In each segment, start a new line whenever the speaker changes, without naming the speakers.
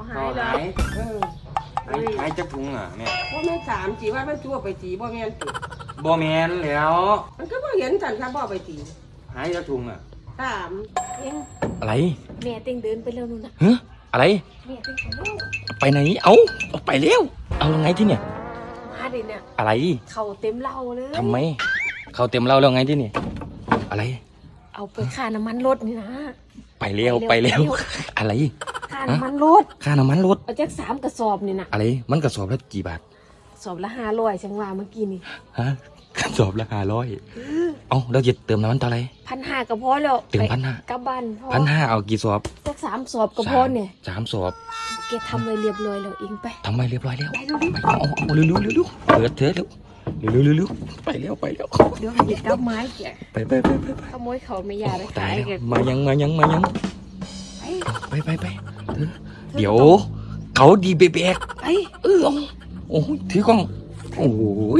หายแล้ว
เออหายจักถุงอ่ะแม่
ว่าแม่ถามจีว่ามันชั่วไปจีบ่แม่นติ
บ่แม่นแล้ว
มันก็บ่เห็นจันครับบ่ไปจี
หายจักถุงอ่ะ
ถาม
เอ็ง
อะไร
แม่เต็งเดินไปแล้วนู่นน่ะ
ฮะอะไร
แม่เต็งไปแล้ว
ไปไหนเอาไปเร็วเอายังไงที่เนี่ย
มาดิเนี่ย
อะไร
เขาเต็มเหล้าเลย
ทำไม เขาเต็มเราแล้วไงที่นี่อะไร
เอาไปค่าน้ำมันรถนี่นะ
ไปเร็วไปเร็วอะไร
ค่าน้ำมันรถ
ค่าน้ำมันรถ
เอาจาก3 กระสอบนี่นะ
อะไรมันกระสอบละกี่บาท
สอบละ500จังว่าเมื่อกี้นี่
ฮะกระสอบละ500เอาเราจะเติมน้ำมันเท่าไหร่
1,500ก็พอแล้ว
ถึง
ไป
1,500
กลับบ้านพอ
1,500เอากี่สอบ
จาก3 สอบก็พอเนี่ย
สามสอบ
แกทำไว้เรียบร้อยแล้วเองไป
ทำไมเรียบร้อยแล้ว
ไปเร็ว
ไปเอาเร็วเร็วเร็วเร็วเปิดเถอะเร็วเร็วเร็วเร็วไปเร็วไปเร็ว
เดี๋ยวหยิบกับไม้แก
ไป
ขโมยเขาไม่ยาไป
ตา
ขาย ย
แล้ว
แก
มายังเดี๋ยวเขาดีเบก
ไป
โอ้ยถือกล้องโอ้ย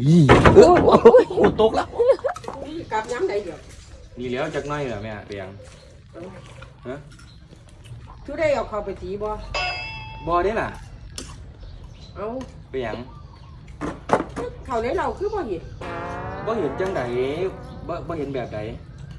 ตกแล้ว
กลับย้ำไหนเดี๋ยว
นี่แล้วจักหน้อยเหรอแม่เปียงฮะ
ทุได้เอาเข้าไปจีบ่
บ่ได้ล่ะ
เอา
เปียง
เข้าในเราคือบ่เห็น
บ่เห็นจังใดบ่เห็นแบบใด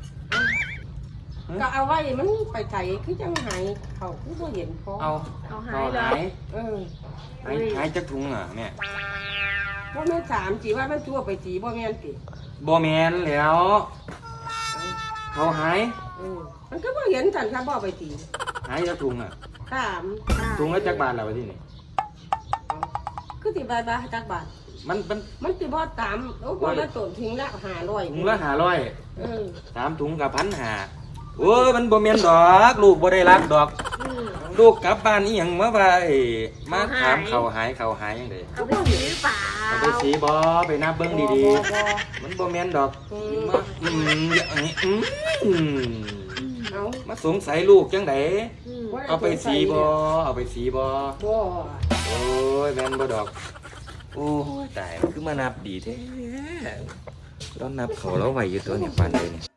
ก็เอาไว้มันไปใส่คือจังหายเขาคือบ่เห็นพอ
เอา
เอาหา
เอา
ยแล้ว
หาย
เออ
หายจักถุงอ่ะแม่
ว่าแม่ถามจีว่ามันชั่วไปจีบ่แม่นติ
บ่แม่นแล้ว เขาหาย
เออมันก็บ่เห็นจันครับบ่ไปจี
หายจักถุงอ่ะ
ถาม
ถุงละจักบาทแล้ววะที่นี่
คือสิบาทจักบาท
มัน
มันสิบ่ตามโอ้บ่ละต้นทิ้งละ500
ถุงละ500
เออ
3 ถุงกับ1,500โอ้ยมันบ่แม่นดอกลูกบ่ได้รักดอก ลูกกลับบ้านอีหยังมาว่ามาถามเขาหายจังได๋
เอาไปซื้อเปล่า
เอาไปสีบ่ไปนับเบิ่งดี
บ่
ๆมันบ่แม่นดอก
อืม
มาอย่างนี้
เอา
มาสงสัยลูกจังได
บ่ด้
เอาไปสีบ่เอาไปสีบ่
บ่
โอ้ยแม่นบ่ดอกโอ้ยตายมันคือมานับดีแท้เรานับเขาแล้วไหวอยู่ตัวเนี่ยปานใดเนี่ย